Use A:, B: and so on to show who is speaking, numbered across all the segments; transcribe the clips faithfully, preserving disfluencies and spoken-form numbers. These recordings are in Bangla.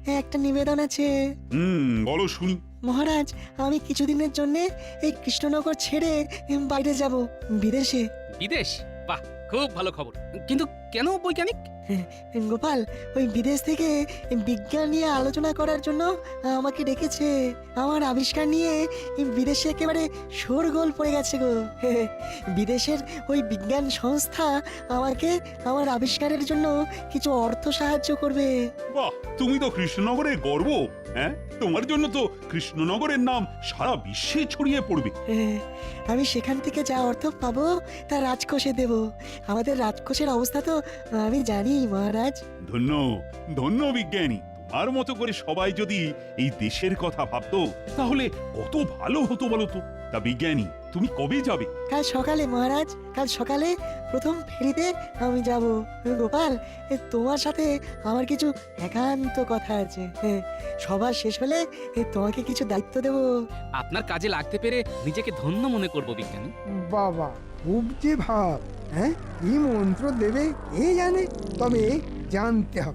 A: একটা নিবেদন আছে।
B: হুম, বলো শুনি।
A: মহারাজ, আমি কিছুদিনের জন্য এই কৃষ্ণনগর ছেড়ে উম, বাইরে যাব, বিদেশে।
C: বিদেশ? বাহ, খুব ভালো খবর। কিন্তু কেন বৈজ্ঞানিক?
A: গোপাল, ওই বিদেশ থেকে বিজ্ঞান নিয়ে আলোচনা করার জন্য আমাকে ডেকেছে। আমার আবিষ্কার নিয়ে বিদেশে একেবারে শোরগোল পড়ে গেছে গো। বিদেশের ওই বিজ্ঞান সংস্থা আমাকে আমার আবিষ্কারের জন্য কিছু অর্থ সাহায্য করবে।
B: বাহ, তুমি তো কৃষ্ণনগরের গর্ব। হ্যাঁ, তোমার জন্য তো কৃষ্ণনগরের নাম সারা বিশ্বে ছড়িয়ে পড়বে।
A: আমি সেখান থেকে যা অর্থ পাবো তা রাজকোষে দেব। আমাদের রাজকোষের অবস্থা তো আমি জানি মহারাজ।
B: ধন্য ধন্য বিজ্ঞানী। তোমার মতো করে সবাই যদি এই দেশের কথা ভাবতো তাহলে কত ভালো হতো বলো তো। তা বিজ্ঞানী, তুমি কবে যাবে?
A: কাল সকালে মহারাজ, কাল সকালে প্রথম ফেরিতে আমি যাব। গোপাল, এ তোমার সাথে আমার কিছু একান্ত কথা আছে। হ্যাঁ, সবার শেষ হলে এ তোমাকে কিছু দায়িত্ব দেব।
C: আপনার কাজে লাগতে পেরে নিজেকে ধন্য মনে করব বিজ্ঞানী।
D: বাবা, খুব যে ভাব। হ্যাঁ, কি মন্ত্র দেবে কে জানে, তবে জানতে হবে।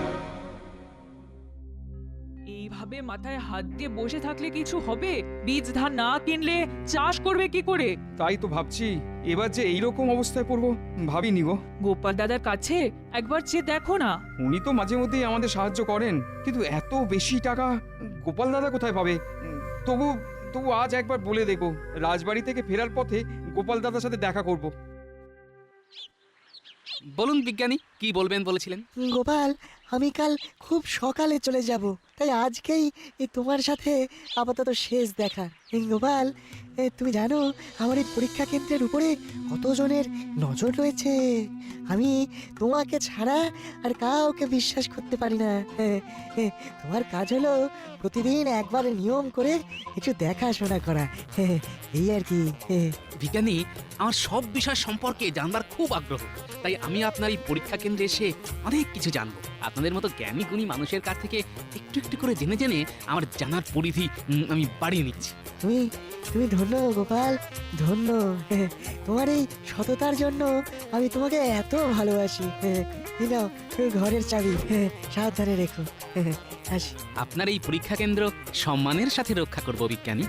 E: এইভাবে মাথায় হাত দিয়ে বসে থাকলে কিছু হবে? বীজ ধান না কিনলে চাষ করবে কি করে?
F: তাই তো ভাবছি, এবার যে এইরকম অবস্থায় পড়বো ভাবিনি গো।
E: গোপাল দাদার কাছে একবার চেয়ে দেখো না।
F: উনি তো মাঝে মধ্যেই আমাদের সাহায্য করেন, কিন্তু এত বেশি টাকা গোপাল দাদা কোথায় পাবে? উম, তবু তবু আজ একবার বলে দেখো, রাজবাড়ি থেকে ফেরার পথে গোপাল দাদার সাথে দেখা করব।
C: বলুন বিজ্ঞানী, কি বলবেন বলেছিলেন?
A: গোপাল, আমি কাল খুব সকালে চলে যাব, তাই আজকেই এ তোমার সাথে আপাতত শেষ দেখা। এই গোপাল, এ তুমি জানো আমার এই পরীক্ষা কেন্দ্রের উপরে কতজনের নজর রয়েছে। আমি তোমাকে ছাড়া আর কাউকে বিশ্বাস করতে পারি না। হ্যাঁ, হ্যাঁ, তোমার কাজ হলো প্রতিদিন একবার নিয়ম করে একটু দেখাশোনা করা। হ্যাঁ, এই আর কি। হ্যাঁ।
C: বিজ্ঞানী, আমার সব বিষয় সম্পর্কে জানবার খুব আগ্রহ, তাই আমি আপনার এই পরীক্ষা কেন্দ্রে এসে অনেক কিছু জানবো। আপনাদের মতো জ্ঞানী গুণী মানুষের কাছ থেকে একটু একটু করে জেনে জেনে আমার জানার পরিধি উম, আমি বাড়িয়ে নিচ্ছি।
A: তুমি তুমি ধন্য গোপাল, ধন্য। হ্যাঁ, তোমার এই সততার জন্য আমি তোমাকে এত ভালোবাসি। হ্যাঁ, এই নাও তুমি ঘরের চাবি। হ্যাঁ, সাবধানে রেখো। হ্যাঁ, আসি।
C: আপনার এই পরীক্ষা কেন্দ্র সম্মানের সাথে রক্ষা করব বিজ্ঞানী।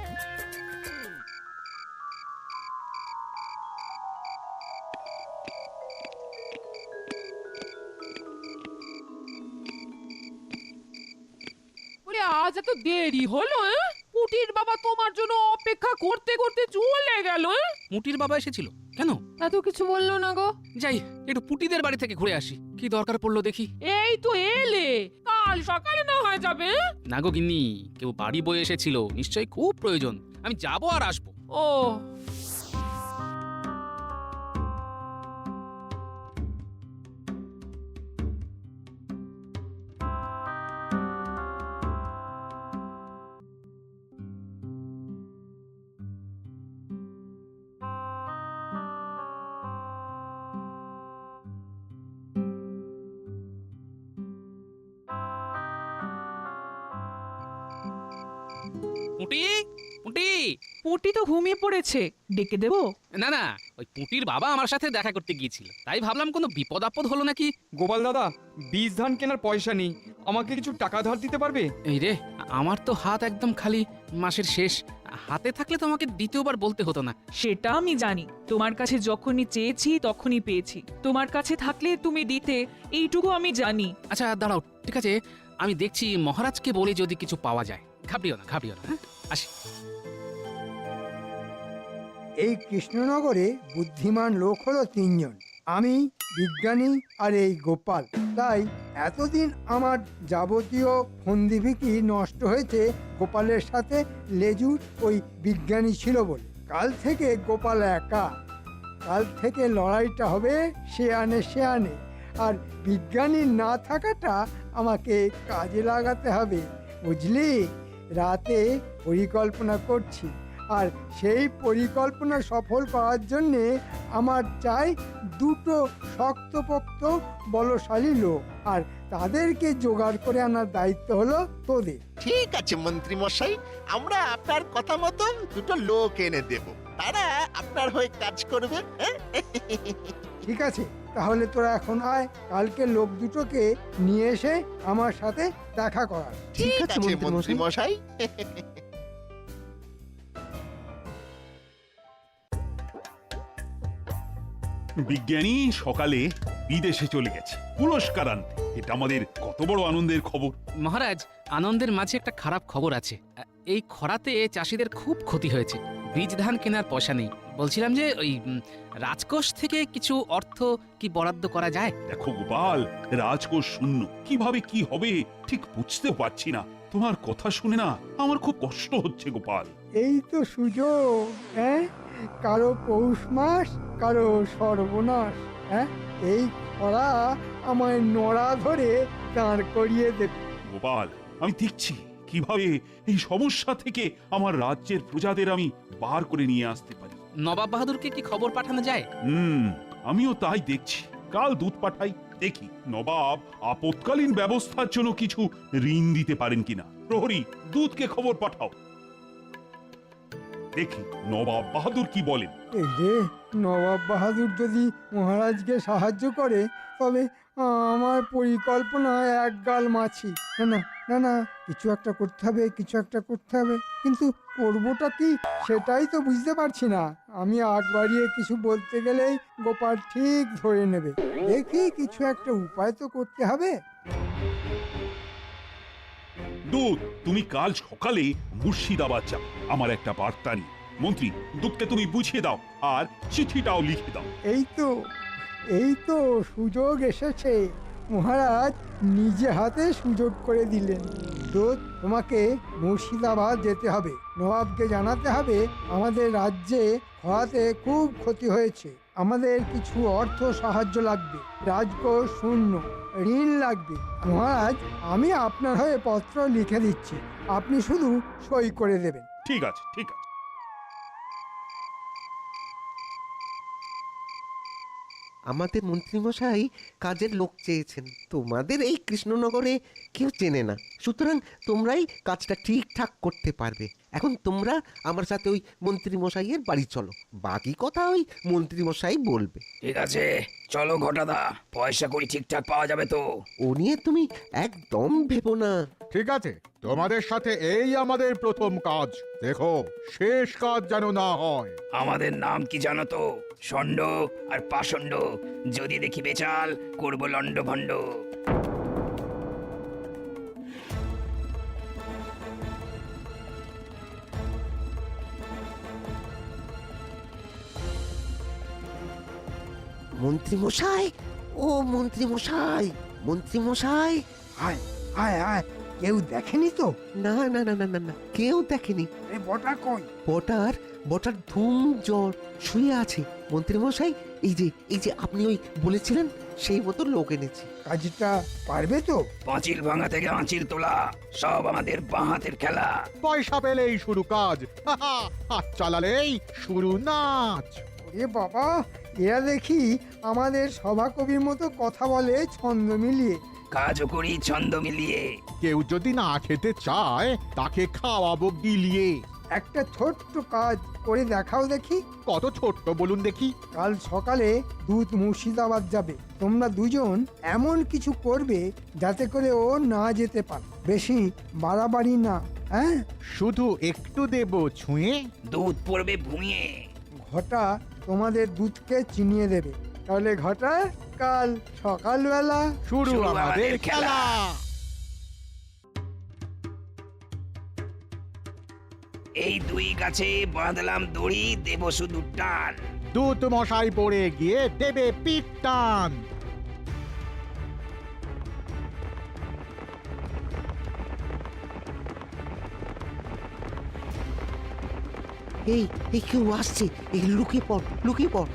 G: ওরে আজ এত দেরি হলো? পুটির বাবা তোমার জন্য অপেক্ষা করতে করতে চলে গেল।
C: মুটির বাবা এসেছিল কেন?
G: এত কিছু বললো না গো।
C: যাই, একটু পুটিদের বাড়ি থেকে ঘুরে আসি, কি দরকার পড়লো দেখি।
G: এই তো এলে, কাল সকালে না হয়ে যাবে?
C: না গো গিন্নি, কেউ বাড়ি বয়ে এসেছিল, নিশ্চয়ই খুব প্রয়োজন। আমি যাবো আর আসবো।
G: ও
C: পুটি, পুটি।
E: পুটি তো ঘুমিয়ে পড়েছে, ডেকে দেবো?
C: না না, ওই পুটির বাবা আমার সাথে দেখা করতে গিয়েছিল, তাই ভাবলাম কোনো বিপদ আপদ হলো নাকি।
F: গোপাল দাদা, বীজ ধান কেনার পয়সা নেই, আমাকে কিছু টাকা ধার দিতে পারবে?
C: এই রে, আমার তো হাত একদম খালি, মাসের শেষ। হাতে থাকলে তো আমাকে দ্বিতীয়বার বলতে হতো না।
E: সেটা আমি জানি, তোমার কাছে যখনই চেয়েছি তখনই পেয়েছি। তোমার কাছে থাকলে তুমি দিতে, এইটুকু আমি জানি।
C: আচ্ছা দাঁড়াও, ঠিক আছে, আমি দেখছি মহারাজকে বলে যদি কিছু পাওয়া যায়। ঘাবড়িও না, ঘাবড়িও না। হ্যাঁ, আসি।
D: এই কৃষ্ণনগরে বুদ্ধিমান লোক হলো তিনজন, আমি, বিজ্ঞানী আর এই গোপাল। তাই এতদিন আমার যাবতীয় ফন্দিফিকি নষ্ট হয়েছে গোপালের সাথে লেজুর ওই বিজ্ঞানী ছিল বলে। কাল থেকে গোপাল একা, কাল থেকে লড়াইটা হবে সে আনে সে আনে, আর বিজ্ঞানী না থাকাটা আমাকে কাজে লাগাতে হবে, বুঝলি? রাতে পরিকল্পনা করছি, আর সেই পরিকল্পনা সফল করার জন্যে আমার চাই দুটো শক্তপোক্ত বলশালী লোক, আর তাদেরকে জোগাড় করে আনার দায়িত্ব হলো তোদের।
H: ঠিক আছে মন্ত্রী মশাই, আমরা আপনার কথা মতো দুটো লোক এনে দেব, তারা আপনার হয়ে কাজ করবে। হ্যাঁ?
D: ঠিক আছে, তাহলে তোরা এখন আয়, কালকে লোক দুটোকে নিয়ে এসে আমার সাথে দেখা করার।
H: ঠিক আছে মন্ত্রী মশাই।
B: বিজ্ঞানী সকালে বিদেশে চলে গেছে পুরস্কার আনতে। এটা আমাদের কত বড় আনন্দের খবর।
C: মহারাজ, আনন্দের মাঝে একটা খারাপ খবর আছে। আ, এই খরাতে চাষিদের খুব ক্ষতি হয়েছে। বীজ ধান কেনার পয়সা নেই। বলছিলাম যে ওই উম, রাজকোষ থেকে কিছু অর্থ কি বরাদ্দ করা যায়?
B: দেখো গোপাল, রাজকোষ শূন্য, কিভাবে কি হবে ঠিক বুঝতেও পারছি না। তোমার কথা শুনে না আমার খুব কষ্ট হচ্ছে গোপাল।
D: এই তো সুযোগ, হ্যাঁ, কারো পৌষ মাস, কারো সর্বনাশ। হ্যাঁ, এই খরা আমায় নড়া ধরে দাঁড় করিয়ে দেবে।
B: গোপাল, আমি দেখছি কিভাবে এই সমস্যা থেকে আমার রাজ্যের প্রজাদের আমি বার করে নিয়ে আসতে পারি।
C: নবাব বাহাদুরকে কি খবর পাঠানো যায়?
B: হুম, আমিও তাই দেখছি। কাল দুধ পাঠাই, দেখি নবাব আপৎকালীন ব্যবস্থার জন্য কিছু ঋণ দিতে পারেন কিনা। প্রহরী, দুধকে খবর পাঠাও, দেখি নবাব বাহাদুর কি বলেন।
D: এই যে নবাব বাহাদুর যদি মহারাজকে সাহায্য করে, তবে আমার পরিকল্পনা এক গাল মাছি। না না না না, কিছু একটা করতে হবে, কিছু একটা করতে হবে, কিন্তু করবোটা কি সেটাই তো বুঝতে পারছি না। আমি আগ বাড়িয়ে কিছু বলতে গেলেই গোপাল ঠিক ধরে নেবে। দেখি কিছু একটা উপায় তো করতে হবে।
B: দুধ, তুমি কাল সকালে মুর্শিদাবাদ যাও আমার একটা বার্তা নিয়ে। মন্ত্রী, দুধকে তুমি বুঝিয়ে দাও আর চিঠিটাও লিখে দাও।
D: এই তো এই তো সুযোগ এসেছে, মহারাজ নিজে হাতে সুযোগ করে দিলেন। দূত, তোমাকে মুর্শিদাবাদ যেতে হবে, নবাবকে জানাতে হবে আমাদের রাজ্যে খরাতে খুব ক্ষতি হয়েছে, আমাদের কিছু অর্থ সাহায্য লাগবে, রাজকোষ শূন্য, ঋণ লাগবে। মহারাজ, আমি আপনার হয়ে পত্র লিখে দিচ্ছি, আপনি শুধু সই করে দেবেন।
B: ঠিক আছে, ঠিক আছে।
I: আমাদের মন্ত্রীমশাই কাজের লোক চেয়েছেন। তোমাদের এই কৃষ্ণনগরে কেউ চেনে না, সুতরাং তোমরাই কাজটা ঠিকঠাক করতে পারবে। এখন তোমরা আমার সাথে ওই মন্ত্রীমশাইয়ের বাড়ি চলো, বাকি কথা ওই মন্ত্রীমশাই বলবে।
J: ঠিক আছে, চলো ঘটাদা, পয়সা করি ঠিকঠাক পাওয়া যাবে তো?
I: ও নিয়ে তুমি একদম ভেবো না।
K: ঠিক আছে, তোমাদের সাথে এই আমাদের প্রথম কাজ, দেখো শেষ কাজ যেন না হয়।
J: আমাদের নাম কি জানো তো? ষণ্ড আর পাষণ্ড। যদি দেখি বেচাল, করবো লন্ড ভণ্ড।
I: মন্ত্রীমশাই, ও মন্ত্রীমশাই, মন্ত্রীমশাই।
D: আয় আয় আয়, কেউ দেখেনি তো?
I: না না না না না না, কেউ দেখেনি।
D: এ বটা কই?
I: বটার বটার ধুম জ্বর শুয়ে আছে। মন্ত্রীমশাই, এই যে এই যে আপনি ওই বলেছিলেন সেই মতো লোক এনেছি।
D: কাজটা পারবে তো?
J: পাঁচিল ভাঙা থেকে আঁচিল তোলা, সব আমাদের বাঁ হাতের খেলা।
K: পয়সা পেলেই শুরু কাজ, হাত চালালেই শুরু নাচ।
D: এ বাবা, এরা দেখি আমাদের সভাকবির মতো কথা বলে ছন্দ মিলিয়ে।
J: কাজও করি ছন্দ মিলিয়ে।
K: কেউ যদি না খেতে চায় তাকে খাওয়াবো গিলিয়ে।
D: একটা ছোট্ট কাজ করে দেখাও দেখি।
K: কত ছোট্ট বলুন দেখি?
D: কাল সকালে দুধ মুর্শিদাবাদ যাবে, তোমরা দুজন এমন কিছু করবে যাতে করে ও না যেতে পারে। বেশি বাড়াবাড়ি না, হ্যাঁ?
K: শুধু একটু দেব ছুঁয়ে,
J: দুধ পড়বে ভুঁয়ে।
D: ঘটা তোমাদের দুধকে চিনিয়ে দেবে, তাহলে ঘটা কাল সকালবেলা
K: শুরু
J: শুরু
K: আমাদের
J: আমাদের
K: খেলা।
J: এই দুই গাছে বাঁধলাম দড়ি, দেব শুধু টান।
K: দুধ মশাই পড়ে গিয়ে দেবে পিঠ টান।
I: এই এই কেউ আসছে, এই লুকিয়ে পড়, লুকিয়ে পড়।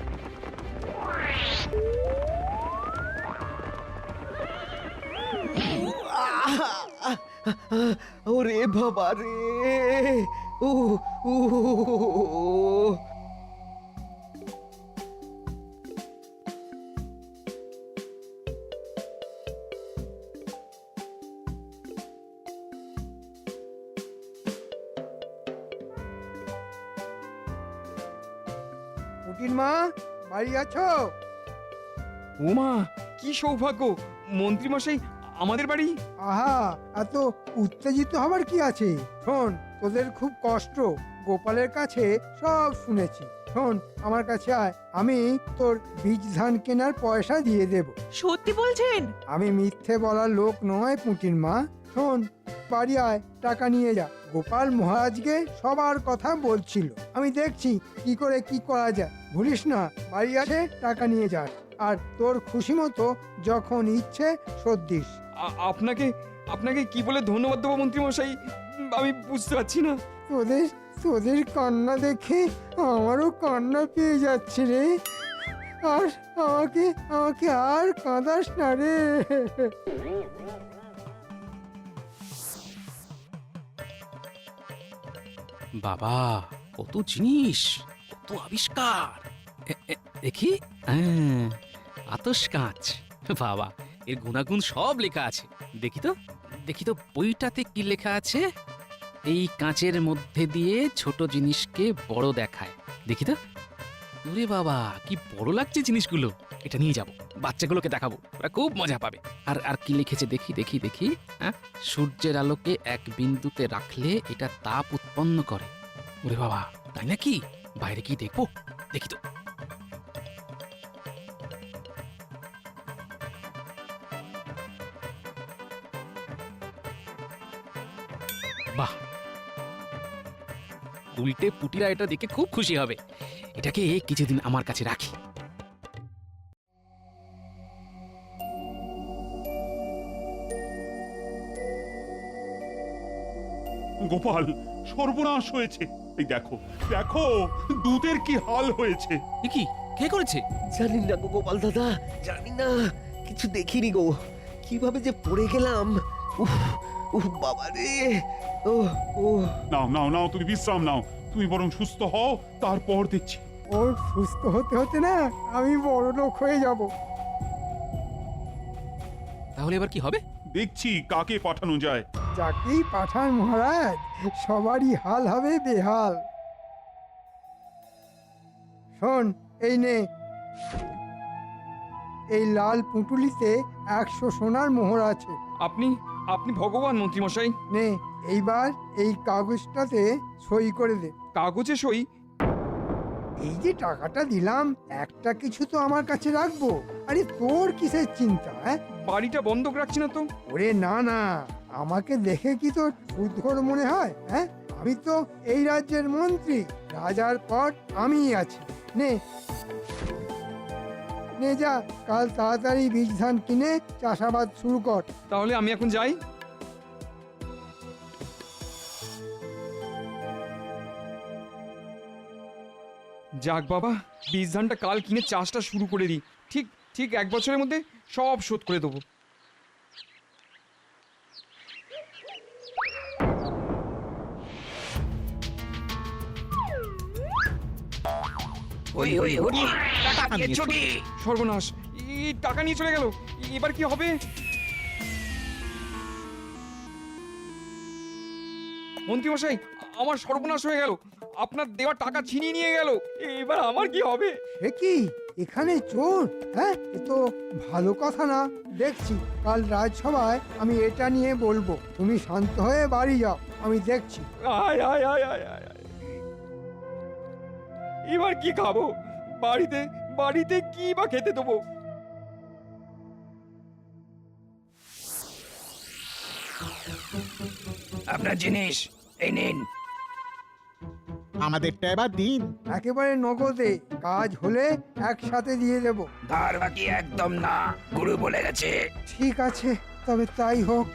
I: ওরে বাবা রে, ও ও
D: পুটির মা, বাড়ি আছো?
F: ওমা কি সৌভাগ্য! মন্ত্রীমশাই আমাদের বাড়ি।
D: আহা, এত উত্তেজিত হবার কি আছে? শোন, তোদের খুব কষ্ট, গোপালের কাছে সব শুনেছি। শোন, আমার কাছে আয়, আমি তোর বীজ ধান কেনার পয়সা দিয়ে দেব।
E: সত্যি বলছেন?
D: আমি মিথ্যে বলার লোক নয় পুঁটির মা। শোন, বাড়ি আয়, টাকা নিয়ে যা। গোপাল মহারাজকে সবার কথা বলছিল, আমি দেখছি কি করে কি করা যায়। ভুলিস না, বাড়ি আসে টাকা নিয়ে যাস, আর তোর খুশি মতো যখন ইচ্ছে শোধ দিস।
F: আ- আপনাকে আপনাকে কি বলে ধন্যবাদ দেবো মন্ত্রীমশাই, আমি বুঝতে পারছি না।
D: তোদের তোদের কান্না দেখে আমারও কান্না পেয়ে যাচ্ছে রে। আর আমাকে আমাকে আর কাঁদাস না রে।
C: বাবা, কত জিনিস, কত আবিষ্কার! এ- এ- দেখি, হ্যাঁ, আতস কাঁচ। বাবা, এর গুণাগুণ সব লেখা আছে। দেখি তো, দেখি তো বইটাতে কি লেখা আছে। এই কাঁচের মধ্যে দিয়ে ছোট জিনিসকে বড় দেখায়। দেখি তো। ওরে বাবা, কি বড় লাগছে জিনিসগুলো! এটা নিয়ে যাব, বাচ্চাগুলোকে দেখাবো, ওরা খুব মজা পাবে। আর আর কি লিখেছে দেখি দেখি দেখি হ্যাঁ, সূর্যের আলোকে এক বিন্দুতে রাখলে এটা তাপ উৎপন্ন করে। ওরে বাবা, তাই নাকি? বাইরে কি দেখবো, দেখি তো। বাহ, উল্টে পুটিরা এটা দেখে খুব খুশি হবে। এটাকে কিছুদিন আমার কাছে রাখি।
B: গোপাল, সর্বনাশ হয়েছে। এই দেখো দেখো, দুধের কি হাল হয়েছে।
C: এ কি, কে করেছে?
I: জানি না গো গোপাল দাদা, জানি না, কিছু দেখিনি গো, কিভাবে যে পড়ে গেলাম। উফ উফ বাবা রে। ও ও
B: নাও নাও নাও, তুমি বিশ্রাম নাও, তুমি বরং সুস্থ হও, তারপর দেখছি।
D: ওর সুস্থ হতে হতে না আমি বড় লোক হয়ে যাব।
C: তাহলে এবার কি হবে?
B: দেখছি কাকে পাঠানো যায়।
D: যাকেই পাঠান মহারাজ, সবারই হাল হবে বেহাল। শোন, এই নে, এই লাল পুঁটুলিতে একশো সোনার মোহর আছে।
F: আপনি আপনি ভগবান মন্ত্রীমশাই।
D: নে, এইবার এই কাগজটাতে সই করে দে।
F: কাগজে সই?
D: এই যে টাকাটা দিলাম, একটা কিছু তো আমার কাছে রাখবো। আরে তোর কিসের চিন্তা? হ্যাঁ,
F: বাড়িটা বন্ধক রাখছি না তো।
D: ওরে না না, আমাকে দেখে কি তোর সুদঘর মনে হয়? হ্যাঁ, আমি তো এই রাজ্যের মন্ত্রী, রাজার পর আমিই আছি। নে নে যা, কাল তাড়াতাড়ি বীজ ধান কিনে চাষাবাদ শুরু কর।
F: তাহলে আমি এখন যাই। যাক বাবা, বীজ ধানটা কাল কিনে চাষটা শুরু করে দিই। ঠিক ঠিক এক বছরের মধ্যে সব শোধ করে দেবো।
J: ওই ওই হরি, টাকা নিয়েছো কি?
F: সর্বনাশ, এই টাকা নিয়ে চলে গেল, এবার কি হবে? মন্ত্রীমশাই, আমার সর্বনাশ হয়ে গেল, আপনার দেওয়া টাকা ছিনিয়ে নিয়ে গেল, এবার আমার কি হবে?
D: এ কি, এখানে চোর? হ্যাঁ, এ তো ভালো কথা না। দেখছি কাল রাজসভায় আমি এটা নিয়ে বলবো। তুমি শান্ত হয়ে বাড়ি যাও, আমি দেখছি।
F: আয় আয় আয় আয় আয় আয়। এবার কি খাবো? বাড়িতে বাড়িতে কি বা খেতে দেবো?
J: আপনার জিনিস এই নিন।
K: আমাদেরটা এবার দিন।
D: একেবারে নগদে, কাজ হলে একসাথে দিয়ে দেব।
J: ধার বাকি একদম না, গুরু বলে গেছে।
D: ঠিক আছে, তবে তাই হোক।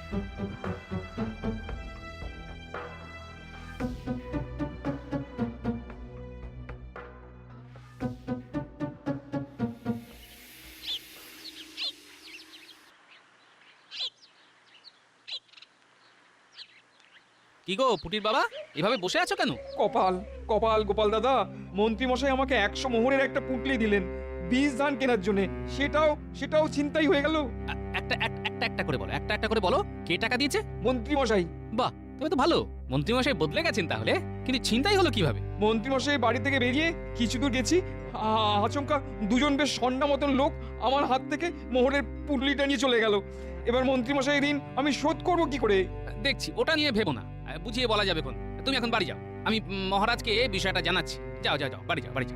C: কি গো পুটির বাবা, এভাবে বসে আছো কেন?
F: কপাল কপাল গোপাল দাদা, মন্ত্রীমশাই আমাকে একশো মোহরের একটা পুঁটলি দিলেন বীজ ধান কেনার জন্য, সেটাও সেটাও ছিনতাই হয়ে গেল।
C: আ- একটা এক- একটা একটা করে বলো, একটা একটা করে বলো, কে টাকা দিয়েছে?
F: মন্ত্রীমশাই।
C: বাহ, তুমি তো ভালো। মন্ত্রীমশাই বদলে গেছেন তাহলে, কিন্তু ছিনতাই হলো কিভাবে?
F: মন্ত্রীমশাই বাড়ি থেকে বেরিয়ে কিছু দূর গেছি, আ- আচমকা দুজন বেশ সন্না মতন লোক আমার হাত থেকে মোহরের পুটলিটা নিয়ে চলে গেল। এবার মন্ত্রীমশাই ঋণ আমি শোধ করব কি করে?
C: দেখছি, ওটা নিয়ে ভেবো না, আহ, বুঝিয়ে বলা যাবে কোন। তুমি এখন বাড়ি যাও, আমি উম, মহারাজকে বিষয়টা জানাচ্ছি। যাও যাও যাও, বাড়ি যাও, বাড়ি যাও।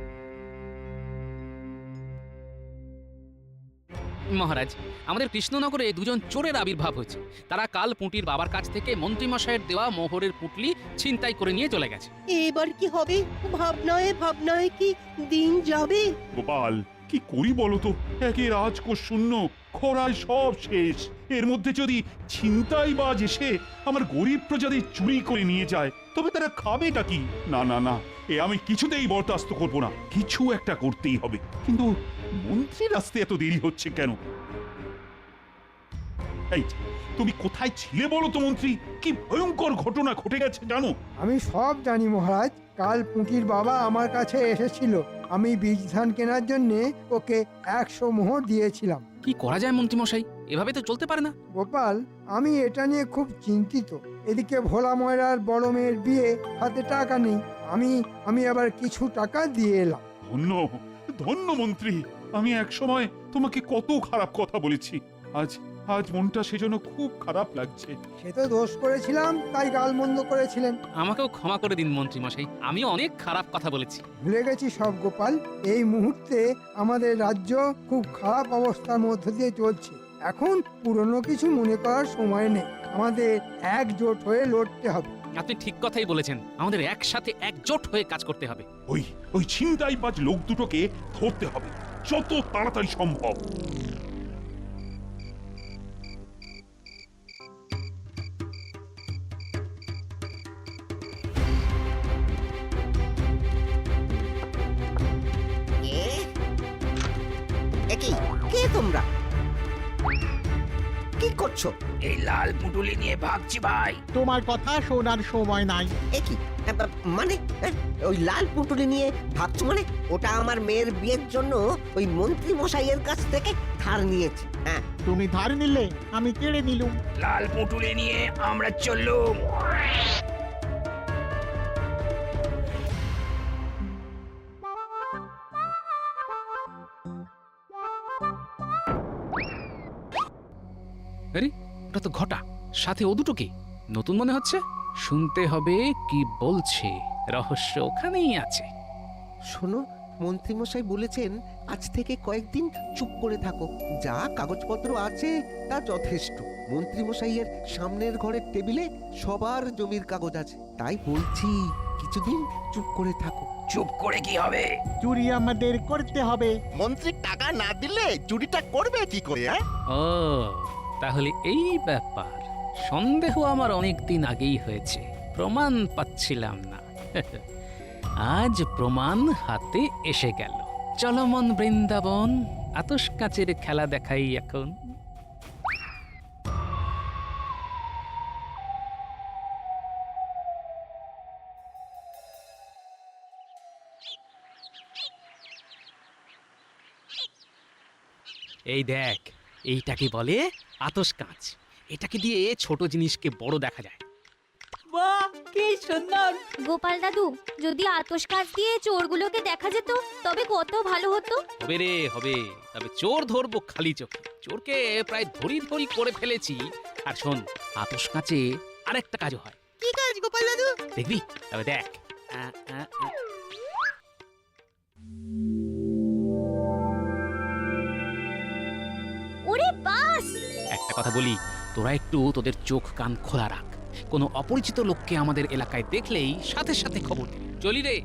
C: মহারাজ, আমাদের কৃষ্ণনগরে দুজন চোরের আবির্ভাব হয়েছে। তারা কাল পুঁটির বাবার কাছ থেকে মন্ত্রীমশাইয়ের দেওয়া মোহরের পুঁটলি ছিনতাই করে নিয়ে চলে গেছে।
L: এবার কি হবে? ভাবনায় ভাবনায় কি দিন যাবে?
B: গোপাল, কি করি বলো তো? একে রাজকোষ শূন্য, খরায় সব শেষ। এর মধ্যে যদি ছিনতাই বাজ এসে আমার গরিব প্রজাদের চুরি করে নিয়ে যায়, তবে তারা খাবেটা কি? না না না, এ আমি কিছুতেই বরদাস্ত করব না। কিছু একটা করতেই হবে। কিন্তু মন্ত্রীর আসতে এত দেরি হচ্ছে কেন? এই, তুমি কোথায় ছিলে বলো তো মন্ত্রী? কি ভয়ঙ্কর ঘটনা ঘটে গেছে জানো?
D: আমি সব জানি মহারাজ। কাল পুঁটির বাবা আমার কাছে এসেছিল। আমি বীজ ধান কেনার জন্য ওকে একশো মোহর দিয়েছিলাম।
C: কি করা যায় মন্ত্রীমশাই? এভাবে তো চলতে পারে না।
D: গোপাল, আমি এটা নিয়ে খুব চিন্তিত। এদিকে ভোলা ময়রার বড় মেয়ের বিয়ে, হাতে টাকা নেই। আমি আমি আবার কিছু টাকা দিয়ে এলাম।
B: ধন্য ধন্য মন্ত্রী, আমি এক সময় তোমাকে কত খারাপ কথা বলেছি। আজ আজ মনটা সেজন্য খুব খারাপ লাগছে।
D: সে তো দোষ করেছিলাম, তাই গালমন্দ করেছিলেন।
C: আমাকেও ক্ষমা করে দিন মন্ত্রীমশাই, আমিও অনেক খারাপ কথা বলেছি।
D: ভুলে গেছি সব গোপাল। এই মুহূর্তে আমাদের রাজ্য খুব খারাপ অবস্থার মধ্য দিয়ে চলছে। এখন পুরনো কিছু মনে করার সময় নেই। আমাদের একজোট হয়ে লড়তে হবে।
C: আপনি ঠিক কথাই বলেছেন, আমাদের একসাথে একজোট হয়ে কাজ করতে হবে।
B: ওই ওই ছিনতাইবাজ লোক দুটোকে ধরতে হবে যত তাড়াতাড়ি সম্ভব।
L: কে? একি কে তোমরা? কি করছো?
J: এই লাল পুটুলি নিয়ে ভাগছি ভাই।
H: তোমার কথা শোনার সময় নাই।
L: একি মানে এ, ওই লাল পুটুলি নিয়ে ভাবছো মানে? ওটা আমার মেয়ের বিয়ের জন্য ওই মন্ত্রী মশাইয়ের কাছ থেকে ধার নিয়েছি। হ্যাঁ,
H: তুমি ধার নিলে, আমি কেড়ে নিলুম।
J: লাল পুটুলি নিয়ে আমরা চললুম।
C: আরে, ওটা তো ঘটা, সাথে ও দুটোকে নতুন মনে হচ্ছে। শুনতে হবে কি বলছে, রহস্য ওখানেই আছে।
I: শোনো, মন্ত্রীমশাই বলেছেন আজ থেকে কয়েকদিন চুপ করে থাকো। যা কাগজপত্র আছে তা যথেষ্ট। মন্ত্রীমশাইয়ের সামনের ঘরের টেবিলে সবার জমির কাগজ আছে। তাই বলছি কিছুদিন চুপ করে থাকো।
J: চুপ করে কি হবে?
H: চুরি আমাদের করতে হবে। মন্ত্রী টাকা না দিলে চুরিটা করবে কি করে? হ্যাঁ,
C: ও, তাহলে এই ব্যাপার। সন্দেহ আমার অনেক দিন আগেই হয়েছে, প্রমাণ পাচ্ছিলাম না। আজ প্রমাণ হাতে এসে গেল। চলো মন বৃন্দাবন, আতস কাচের খেলা দেখাই এখন। এই দেখ, এইটাকে বলে আতস কাঁচ। এটাকে দিয়ে ছোট জিনিসকে বড় দেখা যায়।
E: বাহ, কি সুন্দর!
M: গোপাল দাদু, যদি আতশ কাচ দিয়ে চোরগুলোকে দেখা যেত তবে কত ভালো হতো।
C: হবে রে, হবে। তবে চোর ধরবো খালি চোখে। চোরকে প্রায় ধরি ধরি করে ফেলেছি। আর শোন, আতস কাঁচে আরেকটা কাজও হয়।
L: কি কাজ গোপাল দাদু?
C: দেখবি? তবে দেখ। আ, আ, আ।
M: ওরে বাস!
C: একটা কথা বলি, তোরা একটু তোদের চোখ কান খোলা রাখ। কোনো অপরিচিত লোককে আমাদের এলাকায় দেখলেই সাথে সাথে খবর দিবি। চলি রে।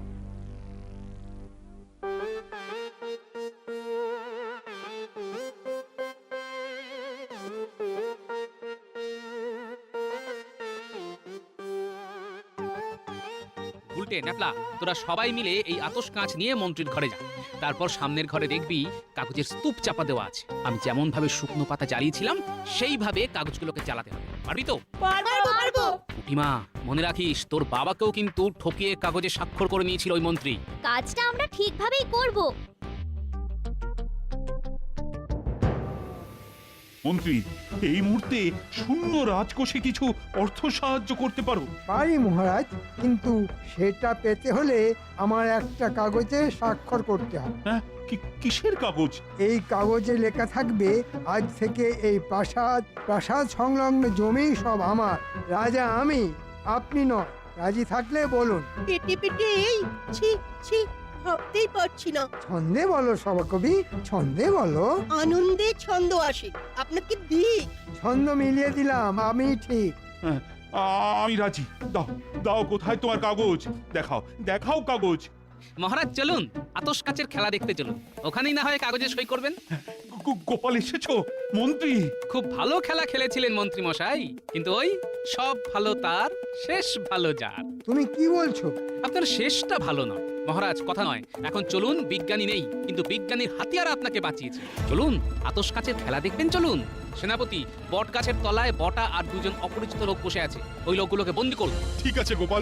C: উল্টে ন্যাপলা, তোরা সবাই মিলে এই আতস কাঁচ নিয়ে মন্ত্রীর ঘরে যা। তারপর সামনের ঘরে দেখবি কাগজের স্তূপ চাপা দেওয়া আছে। আমি যেমন ভাবে শুকনো পাতা জ্বালিয়েছিলাম সেইভাবে কাগজগুলোকে জ্বালাতে হবে। পারবি তো?
E: পারবো, পারবো।
C: পুটিমা, মনে রাখিস তোর বাবাকেও কিন্তু ঠকিয়ে কাগজে স্বাক্ষর করে নিয়েছিল ওই মন্ত্রী।
M: কাজটা আমরা ঠিকভাবেই করব।
B: মন্ত্রী, এই মুহূর্তে শূন্য রাজকোষে কিছু অর্থ সাহায্য করতে পারো?
D: পারি মহারাজ, কিন্তু সেটা পেতে হলে আমার একটা কাগজে স্বাক্ষর করতে হবে।
B: হ্যাঁ, কি- কিসের কাগজ?
D: এই কাগজে লেখা থাকবে আজ থেকে এই প্রাসাদ প্রাসাদ সংলগ্ন জমি সব আমার, রাজা আমি, আপনি নয়। রাজি থাকলে বলুন।
N: পেটে পেটে এই ছি ছি ভাবতেই পারছি না।
D: ছন্দে বলো সভাকবি, ছন্দে বলো।
N: আনন্দে ছন্দ আসে, আপনাকে দিই।
D: ছন্দ মিলিয়ে দিলাম, আমি ঠিক।
B: হ্যাঁ, আ- আমি রাজি। দাও দাও, কোথায় তোমার কাগজ? দেখাও দেখাও কাগজ।
C: মহারাজ চলুন আতস কাচের খেলা দেখতে চলুন, ওখানেই না হয় কাগজে সই করবেন।
B: গো- গোপাল এসেছো? মন্ত্রী,
C: খুব ভালো খেলা খেলেছিলেন মন্ত্রী মশাই, কিন্তু ওই সব ভালো তার, শেষ ভালো যার।
D: তুমি কি বলছো?
C: আপনার শেষটা ভালো নয় মহারাজ, কথা নয়। এখন চলুন, বিজ্ঞানী নেই কিন্তু বিজ্ঞানীর হাতিয়ার আপনাকে বাঁচিয়েছে। চলুন আতস কাচের খেলা দেখবেন, চলুন। সেনাপতি, বট গাছের তলায় বটা আর দুজন অপরিচিত লোক বসে আছে, ওই লোকগুলোকে বন্দি করুন।
B: ঠিক আছে গোপাল।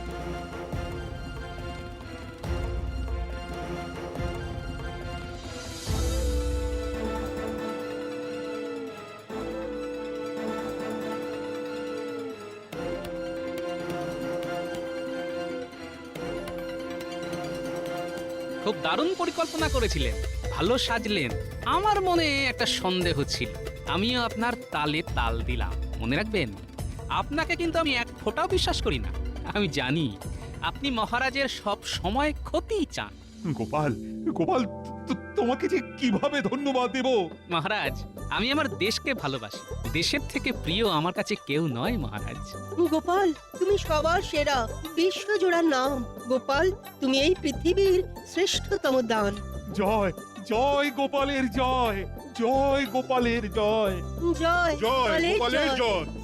C: খুব দারুণ পরিকল্পনা করেছিলেন, ভালো সাজলেন। আমার মনে একটা সন্দেহ ছিল, আমিও আপনার তালে তাল দিলাম। মনে রাখবেন, আপনাকে কিন্তু আমি এক ফোঁটাও বিশ্বাস করি না। আমি জানি আপনি মহারাজের সব সময় ক্ষতি চান।
B: গোপাল, গোপাল, তো- তোমাকে যে কিভাবে ধন্যবাদ দেব?
C: মহারাজ, আমি আমার দেশকে ভালোবাসি, দেশের থেকে প্রিয় আমার কাছে কেউ নয় মহারাজ।
N: গোপাল, তুমি সবার সেরা, বিশ্বজোড়ার নাম। গোপাল, তুমি এই পৃথিবীর শ্রেষ্ঠতম দান।
B: জয় জয় গোপালের জয়, জয় গোপালের জয়,
N: জয়
B: জয় গোপালের জয়।